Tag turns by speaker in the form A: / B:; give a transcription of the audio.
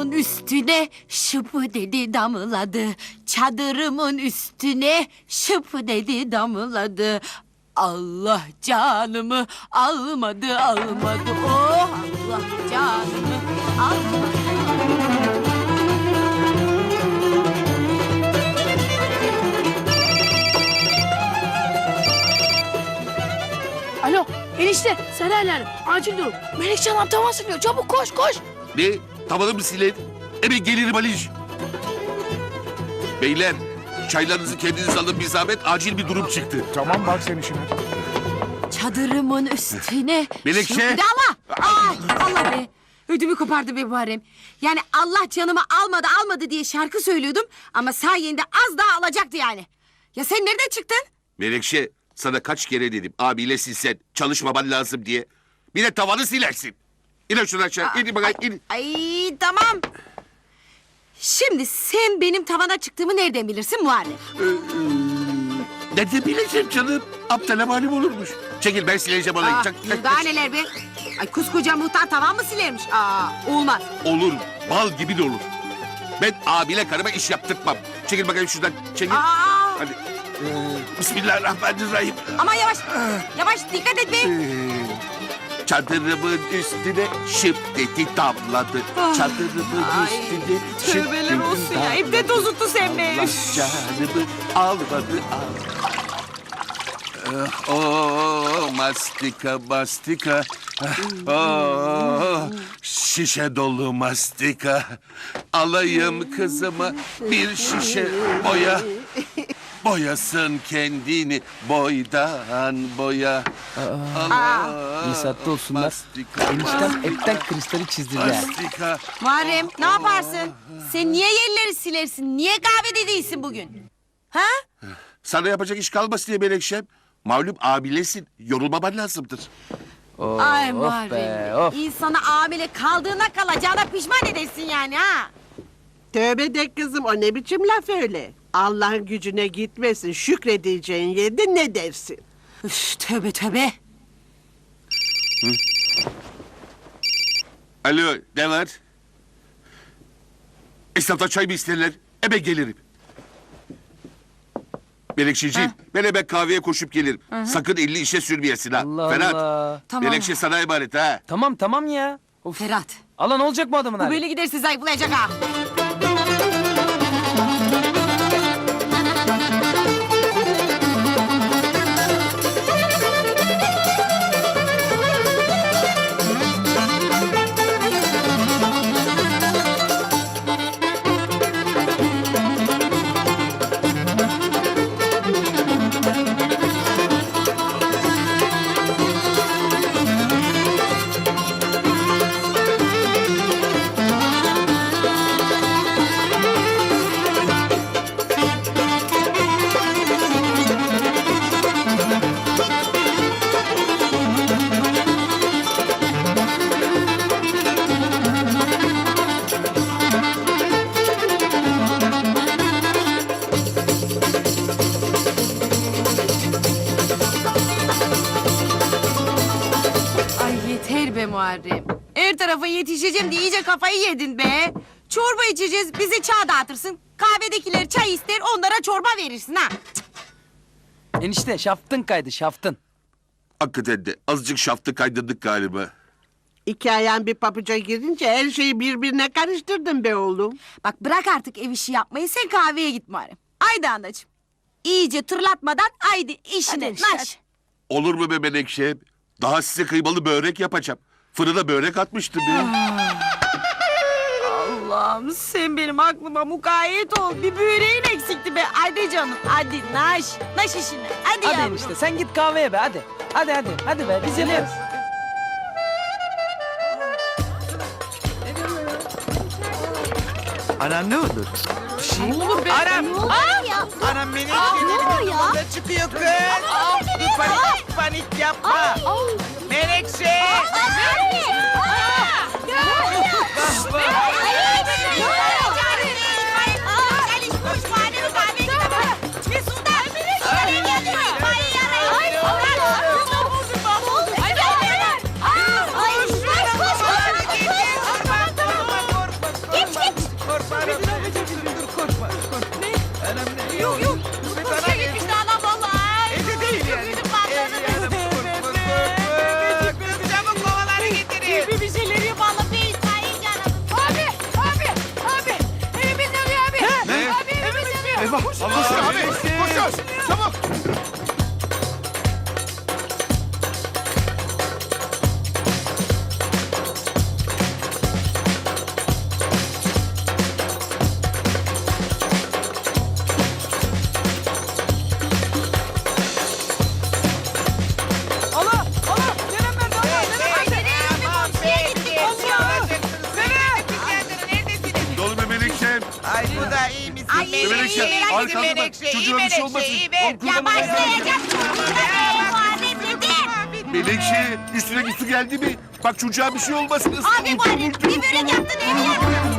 A: Çadırımın üstüne şıpı dedi damladı. Çadırımın üstüne şıpı dedi damladı. Allah canımı almadı. Oh Allah canımı almadı.
B: Alo enişte sen nerede? Acil durum. Melekşe Hanım tavan siliyor. Çabuk koş koş.
C: Ne? Tavanı mı siler? Hemen gelirim Aliş. Beyler, çaylarınızı kendiniz alın, bir zahmet, acil bir durum çıktı.
D: Tamam bak sen işine.
A: Çadırımın üstüne...
C: Melekşe!
A: şıpı- Allah! Allah be! Ödümü kopardı be Muharrem. Yani Allah canımı almadı diye şarkı söylüyordum... ama sayende az daha alacaktı yani. Ya sen nereden çıktın?
C: Melekşe, sana kaç kere dedim, abiyle silsen, çalışmaman lazım diye. Bir de tavanı silersin. İn şunu aşağı, in bakayım, in.
A: Ay tamam. Şimdi sen benim tavana çıktığımı nereden bilirsin Muharrem?
C: Nerede bileceğim canım? Aptala malum olurmuş. Çekil, ben sileceğim olayı.
A: Daha neler be? Ay koskoca muhtar tavan mı silermiş? Olmaz.
C: Olur, bal gibi de olur. Ben abiyle karıma iş yaptırtmam. Çekil bakayım şuradan, çekil. Hadi. Bismillahirrahmanirrahim.
A: Ama yavaş, yavaş dikkat et be.
C: Çadırımın üstüne şıp dedi damladı. Çadırımın üstüne şıp
A: Tövbeler
C: dedi
A: olsun ya.
C: damladı.
A: İpte tozuttu sen be.
C: Allah canımı almadı. Oh, mastika mastika. Oh, şişe dolu mastika. Alayım kızıma bir şişe boya. Boyasın kendini boydan boya. Allah.
E: İnsatlı olsunlar.
C: Mastika,
E: Eniştem hepten kristali çizdiler.
C: mastika.
A: Muharrem ne yaparsın? Sen niye yerleri silersin? Niye kahvede değilsin bugün? Ha?
C: Sana yapacak iş kalmasın diye Melekşem. Malum abilesin. Yorulmaman lazımdır.
A: Ay
E: Of
A: Muharrem.
E: be, of.
A: İnsana amile kaldığına kalacağına pişman edersin yani ha.
F: Tövbe de kızım, o ne biçim laf öyle? Allah'ın gücüne gitmesin, şükredeceğin yerde ne dersin?
A: Üf, tövbe.
C: Alo, ne var? Esnaftan çay mı isterler? Hemen gelirim. Melekşeciğim, ben hemen kahveye koşup gelirim. Sakın elini işe sürmeyesin ha.
E: Allah
C: Ferhat,
E: Allah.
A: Tamam.
C: Melekşe sana emanet ha.
E: Tamam ya. Of.
A: Ferhat.
E: Alan olacak mı adamın
A: Bu
E: hali?
A: böyle giderse zayıflayacak ha. Ay yeter be Muharrem. Her tarafa yetişeceğim diye iyice kafayı yedin be. Çorba içeceğiz, bize çay dağıtırsın. Kahvedekiler çay ister, onlara çorba verirsin ha.
E: Enişte şaftın kaydı şaftın.
C: Hakikaten de azıcık şaftı kaydırdık galiba.
F: İki ayağın bir pabuca girince her şeyi birbirine karıştırdın be oğlum.
A: Bak bırak artık ev işi yapmayı, sen kahveye git Muharrem. Haydi anacığım. İyice tırlatmadan haydi işine.
B: Hadi işte,
A: naş.
C: Olur mu be Melekşe? Daha size kıymalı börek yapacağım. Fırına börek atmıştım ya.
A: Allah'ım sen benim aklıma mukayyet ol. Bir böreğin eksikti be. Hadi canım, hadi naş. Naş işine. Hadi,
E: Hadi
A: yavrum.
E: enişte sen git kahveye be hadi. Hadi be biz yaparız.
G: Anam ne oldu?
A: Ne olur be.
G: Anam!
A: Ne olur ya?
G: Anam beni
A: oluyor ya?
G: da çıkıyor kız. Panik yapma. Menekşe!
C: Eyvah. Koş abi. Koş. Çabuk.
E: Allah! Allah! Nerem nerede? Allah!
G: Aman be. Neredesiniz?
C: Dolu be Menekşem.
G: Ay bu da iyi misin?
A: Ay, iyi,
C: Menekşe,
A: iyi, merak
C: arkanda bak.
G: Menekşe,
C: Çocuğa bir şey olmasın.
G: iyi ver.
A: Ya başlayacak. Muharrem dedi.
C: Menekşe, üstüne su geldi mi? Bak çocuğa bir şey olmasın.
A: Abi Muharrem bir börek yaptın evi yaktın.